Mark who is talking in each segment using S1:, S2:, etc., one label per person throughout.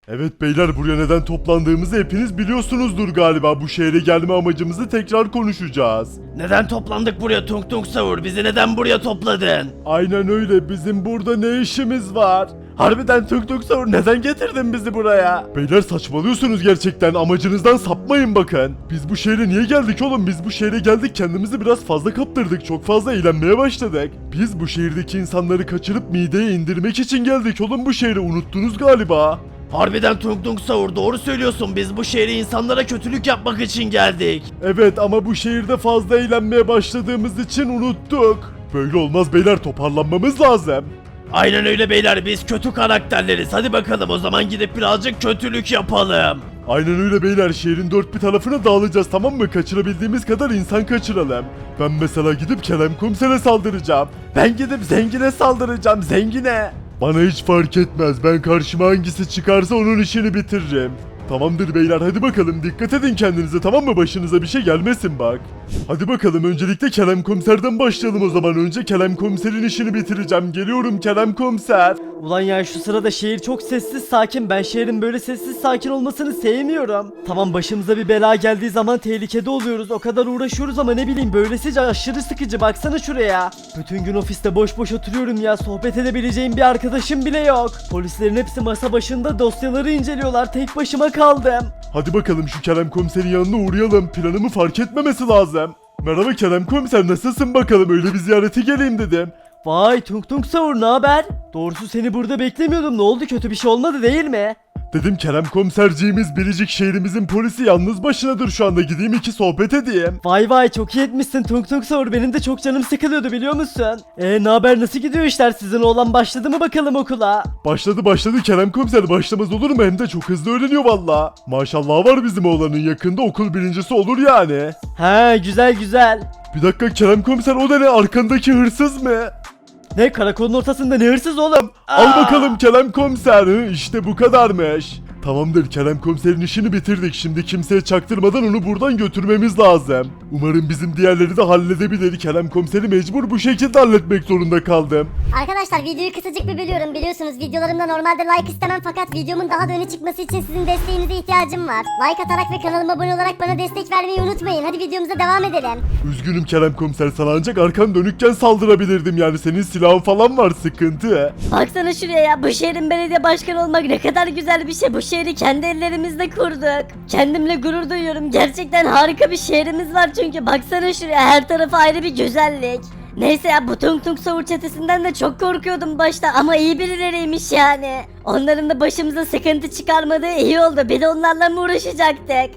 S1: Evet beyler, buraya neden toplandığımızı hepiniz biliyorsunuzdur galiba. Bu şehre gelme amacımızı tekrar konuşacağız.
S2: Neden toplandık buraya Tung Tung Savur? Bizi neden buraya topladın?
S1: Aynen öyle, bizim burada ne işimiz var? Harbiden Tung Tung Savur, neden getirdin bizi buraya? Beyler saçmalıyorsunuz gerçekten, amacınızdan sapmayın bakın. Biz bu şehre niye geldik oğlum? Biz bu şehre geldik, kendimizi biraz fazla kaptırdık, çok fazla eğlenmeye başladık. Biz bu şehirdeki insanları kaçırıp mideye indirmek için geldik oğlum bu şehre, unuttunuz galiba.
S2: Harbiden Tung Tung Savur, doğru söylüyorsun. Biz bu şehre insanlara kötülük yapmak için geldik.
S1: Evet ama bu şehirde fazla eğlenmeye başladığımız için unuttuk. Böyle olmaz beyler, toparlanmamız lazım.
S2: Aynen öyle beyler, biz kötü karakterleriz. Hadi bakalım o zaman gidip birazcık kötülük yapalım.
S1: Aynen öyle beyler, şehrin dört bir tarafına dağılacağız, tamam mı? Kaçırabildiğimiz kadar insan kaçıralım. Ben mesela gidip Kerem Komiser'e saldıracağım. Ben gidip zengine saldıracağım, zengine. Bana hiç fark etmez, ben karşıma hangisi çıkarsa onun işini bitiririm. Tamamdır beyler, hadi bakalım, dikkat edin kendinize, tamam mı? Başınıza bir şey gelmesin bak. Hadi bakalım, öncelikle Kerem Komiser'den başlayalım o zaman. Önce Kerem Komiser'in işini bitireceğim. Geliyorum Kerem Komiser.
S3: Ulan ya şu sırada şehir çok sessiz sakin. Ben şehrin böyle sessiz sakin olmasını sevmiyorum. Tamam, başımıza bir bela geldiği zaman tehlikede oluyoruz. O kadar uğraşıyoruz ama ne bileyim, böylesi aşırı sıkıcı. Baksana şuraya. Bütün gün ofiste boş boş oturuyorum ya. Sohbet edebileceğim bir arkadaşım bile yok. Polislerin hepsi masa başında dosyaları inceliyorlar. Tek başıma kaldım.
S1: Hadi bakalım şu Kerem Komiser'in yanına uğrayalım. Planımı fark etmemesi lazım. Merhaba Kerem Komiser, nasılsın bakalım? Öyle bir ziyarete geleyim dedim.
S3: Vay Tung Tung Savur, ne haber? Doğrusu seni burada beklemiyordum. Ne oldu, kötü bir şey olmadı değil mi?
S1: Dedim Kerem Komiserciğimiz biricik şehrimizin polisi yalnız başınadır şu anda, gideyim iki sohbet edeyim.
S3: Vay vay, çok iyi etmişsin Tung Tung Savur, benim de çok canım sıkılıyordu biliyor musun? Ne haber, nasıl gidiyor işler, sizin oğlan başladı mı bakalım okula?
S1: Başladı Kerem Komiser, başlamaz olur mu? Hem de çok hızlı öğreniyor valla. Maşallah var bizim oğlanın, yakında okul birincisi olur yani.
S3: He, güzel güzel.
S1: Bir dakika Kerem Komiser, o da ne, arkandaki hırsız mı?
S3: Ne, karakolun ortasında ne hırsız oğlum?
S1: Al bakalım Kerem Komiser, işte bu kadarmış. Tamamdır, Kerem Komiser'in işini bitirdik. Şimdi kimseye çaktırmadan onu buradan götürmemiz lazım. Umarım bizim diğerleri de halledebilir. Kerem Komiser'i mecbur bu şekilde halletmek zorunda kaldım.
S4: Arkadaşlar videoyu kısacık bir bölüyorum. Biliyorsunuz videolarımda normalde like istemem, fakat videomun daha da öne çıkması için sizin desteğinize ihtiyacım var. Like atarak ve kanalıma abone olarak bana destek vermeyi unutmayın. Hadi videomuza devam edelim.
S1: Üzgünüm Kerem Komiser, sana ancak arkan dönükken saldırabilirdim. Yani senin silahın falan var, sıkıntı.
S5: Baksana şuraya ya, bu şehrin belediye başkanı olmak ne kadar güzel bir şey. Bu şehri kendi ellerimizle kurduk. Kendimle gurur duyuyorum. Gerçekten harika bir şehrimiz var çünkü. Baksana şuraya, her tarafı ayrı bir güzellik. Neyse ya, bu Tung Tung Savur çetesinden de çok korkuyordum başta ama iyi birileriymiş yani. Onların da başımıza sıkıntı çıkarmadığı iyi oldu. Bir de onlarla mı uğraşacaktık?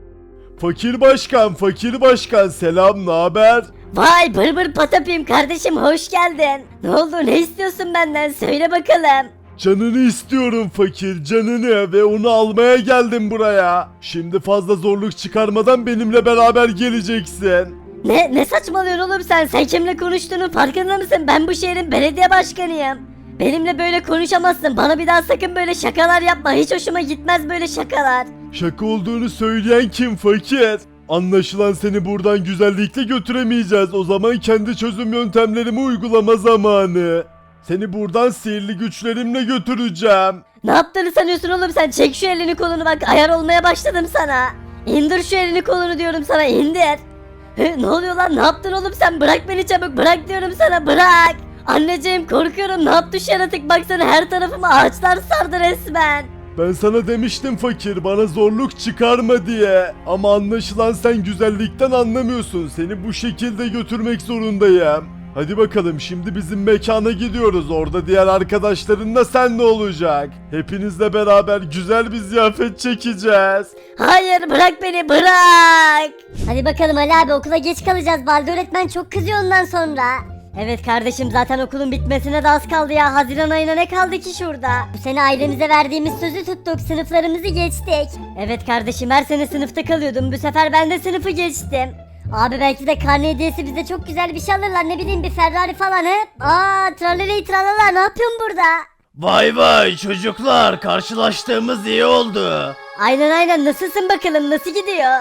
S1: Fakir başkan selam, naber?
S5: Vay bır patapim kardeşim, hoş geldin. Ne oldu, ne istiyorsun benden, söyle bakalım.
S1: Canını istiyorum fakir, canını, ve onu almaya geldim buraya. Şimdi fazla zorluk çıkarmadan benimle beraber geleceksin.
S5: Ne saçmalıyorsun oğlum sen? Sen kimle konuştuğunun farkında mısın? Ben bu şehrin belediye başkanıyım. Benimle böyle konuşamazsın. Bana bir daha sakın böyle şakalar yapma. Hiç hoşuma gitmez böyle şakalar.
S1: Şaka olduğunu söyleyen kim fakir? Anlaşılan seni buradan güzellikle götüremeyeceğiz. O zaman kendi çözüm yöntemlerimi uygulama zamanı. Seni buradan sihirli güçlerimle götüreceğim.
S5: Ne yaptığını sanıyorsun oğlum sen? Çek şu elini kolunu, bak ayar olmaya başladım sana. İndir şu elini kolunu diyorum sana, indir. Ne oluyor lan, ne yaptın oğlum sen? Bırak beni çabuk, bırak diyorum sana, bırak. Anneciğim korkuyorum, ne yaptı şu yaratık, baksana her tarafıma ağaçlar sardı resmen.
S1: Ben sana demiştim fakir, bana zorluk çıkarma diye. Ama anlaşılan sen güzellikten anlamıyorsun. Seni bu şekilde götürmek zorundayım. Hadi bakalım, şimdi bizim mekana gidiyoruz. Orada diğer arkadaşlarınla sen ne olacak? Hepinizle beraber güzel bir ziyafet çekeceğiz.
S5: Hayır, bırak beni, bırak.
S4: Hadi bakalım Ali abi, okula geç kalacağız. Balde öğretmen çok kızıyor ondan sonra.
S5: Evet kardeşim, zaten okulun bitmesine de az kaldı ya. Haziran ayına ne kaldı ki şurada?
S4: Bu sene ailemize verdiğimiz sözü tuttuk. Sınıflarımızı geçtik.
S5: Evet kardeşim, her sene sınıfta kalıyordum. Bu sefer ben de sınıfı geçtim.
S4: Abi belki de karne hediyesi bize çok güzel bir şey alırlar. Ne bileyim, bir Ferrari falan he. Tralala tralala, ne yapıyorsun burada?
S2: Vay çocuklar, karşılaştığımız iyi oldu.
S5: Aynen nasılsın bakalım, nasıl gidiyor?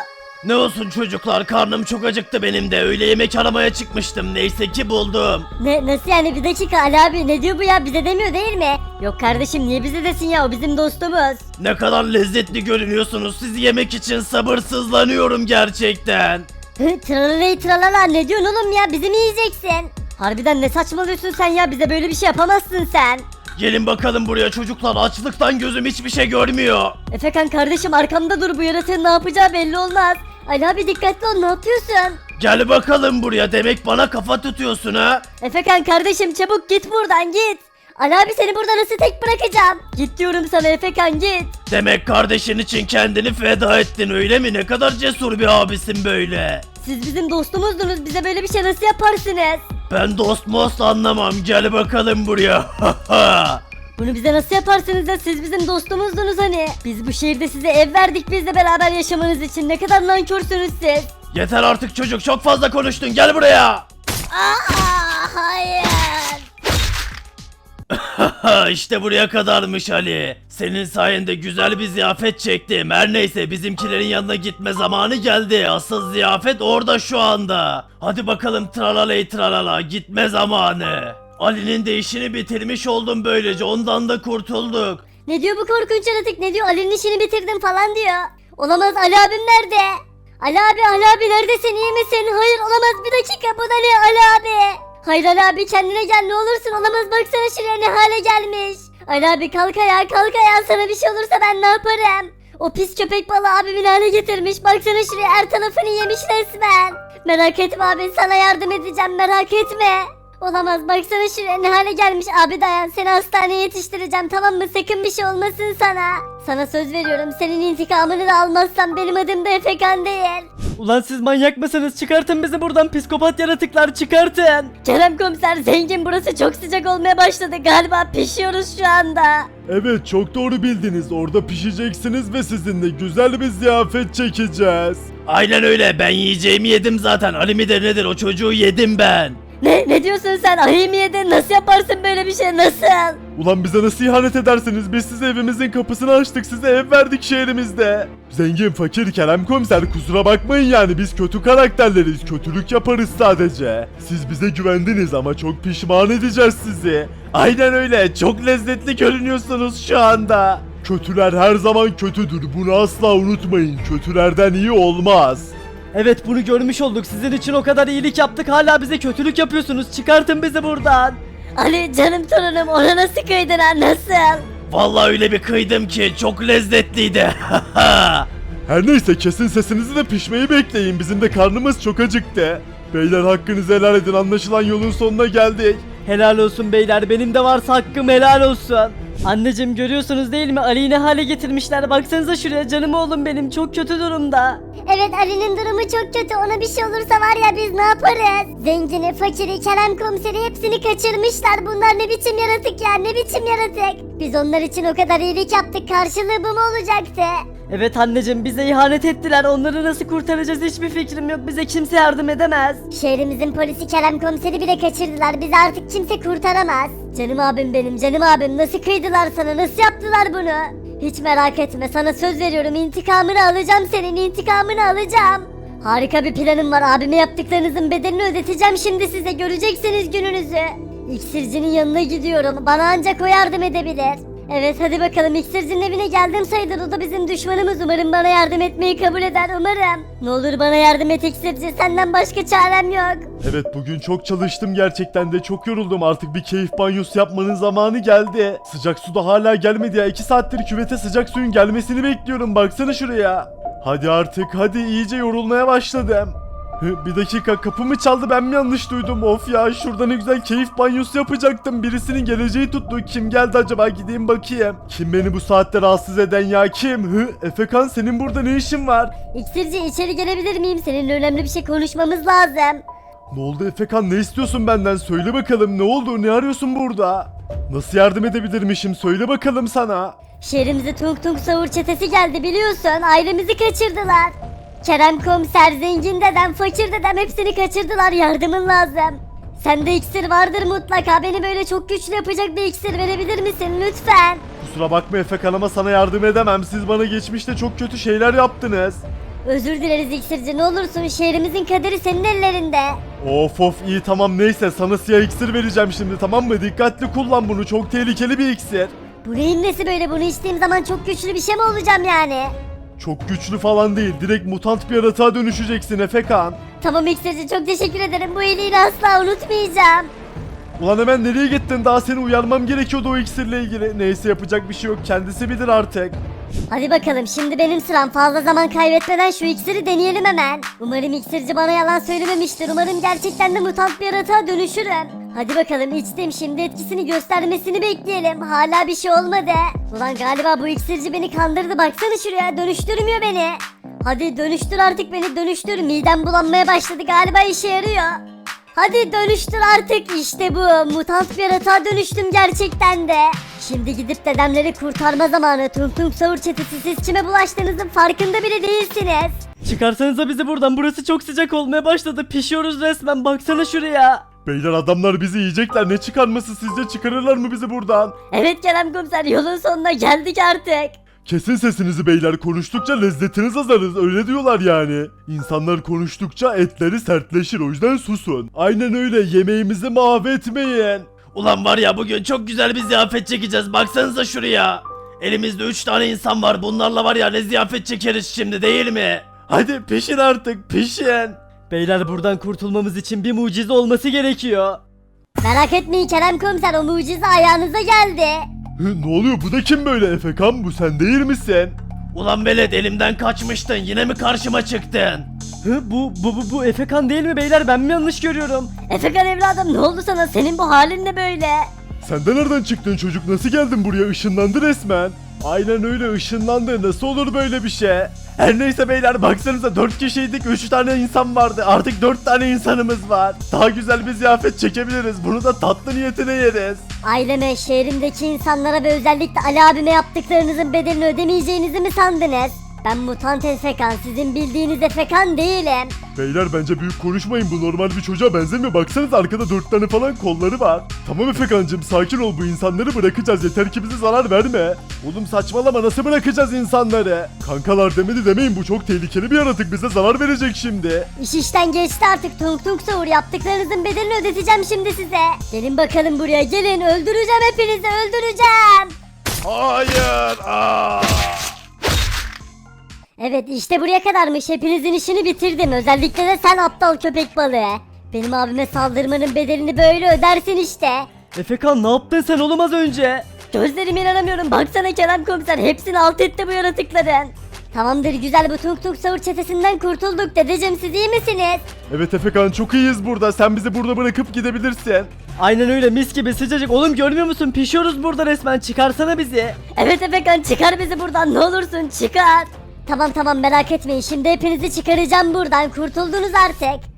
S2: Ne olsun çocuklar, karnım çok acıktı benim de. Öğle yemek aramaya çıkmıştım. Neyse ki buldum.
S5: Nasıl yani, bir dakika Ali abi, ne diyor bu ya, bize demiyor değil mi? Yok kardeşim, niye bize desin ya, o bizim dostumuz.
S2: Ne kadar lezzetli görünüyorsunuz. Sizi yemek için sabırsızlanıyorum gerçekten.
S5: Tralaley tralala, ne diyorsun oğlum ya, bizi mi yiyeceksin? Harbiden ne saçmalıyorsun sen ya, bize böyle bir şey yapamazsın sen.
S2: Gelin bakalım buraya çocuklar. Açlıktan gözüm hiçbir şey görmüyor.
S5: Efekan kardeşim, arkamda dur, bu yaratığın ne yapacağı belli olmaz. Ali abi dikkatli ol, ne yapıyorsun?
S2: Gel bakalım buraya. Demek bana kafa tutuyorsun ha?
S5: Efekan kardeşim, çabuk git buradan, git. Ali abi seni burada nasıl tek bırakacağım? Git diyorum sana Efekan, git.
S2: Demek kardeşin için kendini feda ettin öyle mi? Ne kadar cesur bir abisin böyle.
S5: Siz bizim dostumuzdunuz, bize böyle bir şey nasıl yaparsınız?
S2: Ben dost most anlamam. Gel bakalım buraya.
S5: Bunu bize nasıl yaparsınız da, siz bizim dostumuzdunuz hani. Biz bu şehirde size ev verdik bizle beraber yaşamanız için, ne kadar nankörsünüz siz.
S2: Yeter artık çocuk, çok fazla konuştun. Gel buraya.
S5: Hayır.
S2: İşte buraya kadarmış Ali. Senin sayende güzel bir ziyafet çektim. Her neyse, bizimkilerin yanına gitme zamanı geldi. Asıl ziyafet orada şu anda. Hadi bakalım tralaley tralala, gitme zamanı. Ali'nin de işini bitirmiş oldum böylece. Ondan da kurtulduk.
S5: Ne diyor bu korkunç yaratık, ne diyor, Ali'nin işini bitirdim falan diyor. Olamaz, Ali abim nerede? Ali abi neredesin, iyi misin? Hayır olamaz, bir dakika, bu da ne Ali abi? Hayır Ali abi, kendine gel ne olursun, olamaz, baksana şuraya ne hale gelmiş. Ali abi kalk ayağa, kalk ayağa, sana bir şey olursa ben ne yaparım? O pis köpek balığı abimin hale getirmiş, baksana şuraya, her tarafını yemiş resmen. Merak etme abi, sana yardım edeceğim, merak etme. Olamaz, baksana şuraya ne hale gelmiş. Abi dayan, seni hastaneye yetiştireceğim, tamam mı? Sakın bir şey olmasın sana. Sana söz veriyorum, senin intikamını da almazsam benim adım da Efekan değil.
S3: Ulan siz manyak mısınız? Çıkartın bizi buradan, psikopat yaratıklar, çıkartın.
S5: Kerem komiser, zengin, burası çok sıcak olmaya başladı galiba, pişiyoruz şu anda.
S1: Evet, çok doğru bildiniz. Orada pişeceksiniz ve sizinle güzel bir ziyafet çekeceğiz.
S2: Aynen öyle, ben yiyeceğimi yedim zaten. Ali midir nedir, o çocuğu yedim ben.
S5: Ne diyorsun sen, ayı mı yedin, nasıl yaparsın böyle bir şey, nasıl?
S1: Ulan bize nasıl ihanet edersiniz? Biz size evimizin kapısını açtık, size ev verdik şehrimizde. Zengin, fakir, Kerem komiser, kusura bakmayın yani, biz kötü karakterleriz, kötülük yaparız sadece. Siz bize güvendiniz ama çok pişman edeceğiz sizi. Aynen öyle, çok lezzetli görünüyorsunuz şu anda. Kötüler her zaman kötüdür, bunu asla unutmayın, kötülerden iyi olmaz.
S3: Evet, bunu görmüş olduk. Sizin için o kadar iyilik yaptık, hala bize kötülük yapıyorsunuz. Çıkartın bizi buradan.
S5: Ali canım torunum, ona nasıl kıydın ha, nasıl?
S2: Vallahi öyle bir kıydım ki çok lezzetliydi.
S1: Her neyse, kesin sesinizi de pişmeyi bekleyin, bizim de karnımız çok acıktı. Beyler, hakkınızı helal edin, anlaşılan yolun sonuna geldik.
S3: Helal olsun beyler, benim de varsa hakkım helal olsun. Anneciğim, görüyorsunuz değil mi? Ali'yi ne hale getirmişler, baksanıza şuraya, canım oğlum benim çok kötü durumda.
S4: Evet, Ali'nin durumu çok kötü, ona bir şey olursa var ya biz ne yaparız? Zengini, fakiri, Kerem komiseri hepsini kaçırmışlar. Bunlar ne biçim yaratık ya, ne biçim yaratık? Biz onlar için o kadar iyilik yaptık, karşılığı bu mu olacaktı?
S3: Evet anneciğim, bize ihanet ettiler, onları nasıl kurtaracağız hiçbir fikrim yok, bize kimse yardım edemez.
S4: Şehrimizin polisi Kerem komiseri bile kaçırdılar, bizi artık kimse kurtaramaz. Canım abim benim, canım abim, nasıl kıydılar sana, nasıl yaptılar bunu? Hiç merak etme, sana söz veriyorum, intikamını alacağım, senin intikamını alacağım. Harika bir planım var, abime yaptıklarınızın bedelini ödeteceğim şimdi size, göreceksiniz gününüzü. İksircinin yanına gidiyorum, bana ancak o yardım edebilir. Evet hadi bakalım, iksircinin evine geldim sayılır, o da bizim düşmanımız, umarım bana yardım etmeyi kabul eder, umarım. Ne olur bana yardım et iksirci, senden başka çarem yok.
S1: Evet, bugün çok çalıştım, gerçekten de çok yoruldum, artık bir keyif banyosu yapmanın zamanı geldi. Sıcak su da hala gelmedi ya, 2 saattir küvete sıcak suyun gelmesini bekliyorum, baksana şuraya. Hadi artık, hadi, iyice yorulmaya başladım. Bir dakika, kapı mı çaldı, ben mi yanlış duydum? Of ya, şurada ne güzel keyif banyosu yapacaktım, birisinin geleceği tuttu. Kim geldi acaba, gideyim bakayım. Kim beni bu saatte rahatsız eden ya, kim? Efekan, senin burada ne işin var?
S5: İksirci, içeri gelebilir miyim? Seninle önemli bir şey konuşmamız lazım.
S1: Ne oldu Efekan, ne istiyorsun benden, söyle bakalım, ne oldu, ne arıyorsun burada? Nasıl yardım edebilirmişim, söyle bakalım sana.
S5: Şehrimize Tung Tung Savur çetesi geldi biliyorsun, ailemizi kaçırdılar. Kerem komiser, zengin dedem, fakir dedem hepsini kaçırdılar, yardımın lazım. Sende iksir vardır mutlaka, beni böyle çok güçlü yapacak bir iksir verebilir misin lütfen?
S1: Kusura bakma Efekan ama sana yardım edemem, siz bana geçmişte çok kötü şeyler yaptınız.
S4: Özür dileriz iksirci, ne olursun, şehrimizin kaderi senin ellerinde.
S1: Of of, iyi tamam, neyse sana siyah iksir vereceğim şimdi, tamam mı? Dikkatli kullan bunu, çok tehlikeli bir iksir.
S4: Bu neyin nesi böyle, bunu içtiğim zaman çok güçlü bir şey mi olacağım yani?
S1: Çok güçlü falan değil, direkt mutant bir yaratığa dönüşeceksin Efekan.
S4: Tamam iksirci, çok teşekkür ederim, bu iyiliğini asla unutmayacağım.
S1: Ulan hemen nereye gittin? Daha seni uyarmam gerekiyordu o iksirle ilgili. Neyse, yapacak bir şey yok, kendisi bilir artık.
S4: Hadi bakalım, şimdi benim sıram, fazla zaman kaybetmeden şu iksiri deneyelim hemen. Umarım iksirci bana yalan söylememiştir, umarım gerçekten de mutant bir yaratığa dönüşürüm. Hadi bakalım, içtim, şimdi etkisini göstermesini bekleyelim, hala bir şey olmadı. Ulan galiba bu iksirci beni kandırdı, baksana şuraya, dönüştürmüyor beni. Hadi dönüştür artık beni, dönüştür, midem bulanmaya başladı, galiba işe yarıyor. Hadi dönüştür artık, işte bu, mutant bir yaratığa dönüştüm gerçekten de. Şimdi gidip dedemleri kurtarma zamanı. Tung Tung Sahur çetesi, siz kime bulaştığınızın farkında bile değilsiniz.
S3: Çıkarsanıza bizi buradan, burası çok sıcak olmaya başladı, pişiyoruz resmen, baksana şuraya.
S1: Beyler, adamlar bizi yiyecekler, ne çıkarması, sizce çıkarırlar mı bizi buradan?
S5: Evet Kerem komiser, yolun sonuna geldik artık.
S1: Kesin sesinizi beyler, konuştukça lezzetiniz azalır, öyle diyorlar yani. İnsanlar konuştukça etleri sertleşir, o yüzden susun. Aynen öyle, yemeğimizi mahvetmeyin.
S2: Ulan var ya, bugün çok güzel bir ziyafet çekeceğiz, baksanıza şuraya. Elimizde 3 tane insan var, bunlarla var ya ne ziyafet çekeriz şimdi, değil mi?
S1: Hadi pişin artık, pişin.
S3: Beyler, buradan kurtulmamız için bir mucize olması gerekiyor.
S4: Merak etmeyin Kerem komiser, o mucize ayağınıza geldi.
S1: Ne oluyor, bu da kim böyle? Efekan, bu sen değil misin?
S2: Ulan velet, elimden kaçmıştın, yine mi karşıma çıktın?
S3: Bu Efekan değil mi beyler, ben mi yanlış görüyorum?
S5: Efekan evladım, ne oldu sana, senin bu halin ne böyle?
S1: Sen de nereden çıktın çocuk, nasıl geldin buraya, ışınlandı resmen. Aynen öyle, ışınlandı, nasıl olur böyle bir şey? Her neyse beyler, baksanıza 4 kişiydik, 3 tane insan vardı, artık 4 tane insanımız var. Daha güzel bir ziyafet çekebiliriz, bunu da tatlı niyetine yeriz.
S4: Aileme, şehrimdeki insanlara ve özellikle Ali abime yaptıklarınızın bedelini ödemeyeceğinizi mi sandınız? Ben mutant Efekan, sizin bildiğiniz Efekan değilim.
S1: Beyler, bence büyük konuşmayın, bu normal bir çocuğa benzemiyor, baksanıza arkada 4 tane falan kolları var. Tamam Efekancım, sakin ol, bu insanları bırakacağız, yeter ki bize zarar verme. Oğlum saçmalama, nasıl bırakacağız insanları? Kankalar demedi demeyin, bu çok tehlikeli bir yaratık, bize zarar verecek şimdi.
S4: İş işten geçti artık Tung Tung Sahur, yaptıklarınızın bedelini ödeteceğim şimdi size. Gelin bakalım buraya, gelin, öldüreceğim hepinizi, öldüreceğim.
S1: Hayır.
S4: Evet, işte buraya kadarmış, hepinizin işini bitirdim, özellikle de sen aptal köpek balığı. Benim abime saldırmanın bedelini böyle ödersin işte.
S3: Efekan, ne yaptın sen oğlum az önce?
S5: Gözlerime inanamıyorum, baksana Kerem komiser, hepsini alt etti bu yaratıkların.
S4: Tamamdır güzel, bu Tung Tung Sahur çetesinden kurtulduk. Dedeciğim, siz iyi misiniz?
S1: Evet Efekan, çok iyiyiz burada, sen bizi burada bırakıp gidebilirsin.
S3: Aynen öyle, mis gibi sıcacık oğlum, görmüyor musun, pişiyoruz burada resmen, çıkarsana bizi.
S5: Evet Efekan, çıkar bizi buradan, ne olursun çıkar.
S4: Tamam merak etmeyin, şimdi hepinizi çıkaracağım buradan, kurtuldunuz artık.